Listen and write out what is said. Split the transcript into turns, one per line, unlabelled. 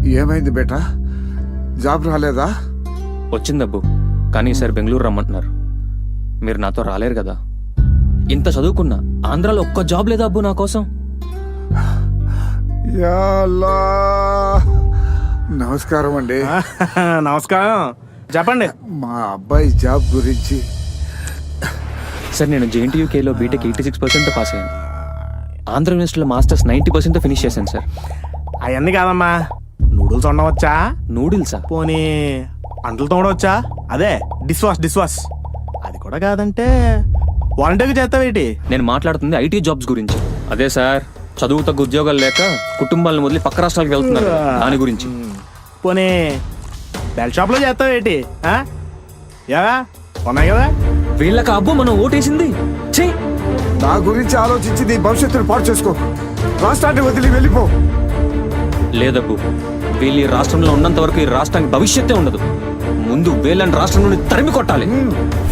ఏమైంది బేటా? జాబ్ రాలేదా?
వచ్చిందబ్బు, కానీ ఈసారి బెంగళూరు రమ్మంటున్నారు. మీరు నాతో రాలేరు కదా. ఇంత చదువుకున్నా ఆంధ్రాలో ఒక్క జాబ్ లేదా అబ్బు నా కోసం?
యా అల్లా. నమస్కారం అండి.
నమస్కారం, చెప్పండి.
మా అబ్బాయి జాబ్ గురించి.
సార్, నేను JNTUKలో బీటెక్ 86% పాస్ అయ్యాను. ఆంధ్ర యూనివర్సిటీలో మాస్టర్స్ 90% ఫినిష్ చేశాను సార్.
అవన్నీ కాదమ్మా, నూడిల్స్ వండవచ్చా?
నూడిల్సా?
పోనీ అంటలు తోడవచ్చా? అదే డిష్ వాష్. అది కూడా కాదంటే వాలంటీర్గా చేస్తావేటి?
నేను మాట్లాడుతుంది IT జాబ్స్ గురించి. అదే సార్, చదువు తగ్గ ఉద్యోగాలు లేక కుటుంబాలను వదిలి పక్క రాష్ట్రాలకు వెళ్తున్నారు, దాని గురించి.
పోనీ బెల్ట్ షాప్లో చేస్తావేటి? ఏవా ఉన్నాయి కదా.
వీళ్ళకి అబ్బు మనం ఓటేసింది. ఛీ!
నా గురించి ఆలోచించి నీ భవిష్యత్తును పాడు చేసుకో. రాష్ట్రాన్ని వదిలి వెళ్ళిపో.
లేదబ్బు, వీళ్ళు ఈ రాష్ట్రంలో ఉన్నంత వరకు ఈ రాష్ట్రానికి భవిష్యత్తే ఉండదు. ముందు వీళ్ళని రాష్ట్రం నుండి తరిమి కొట్టాలి.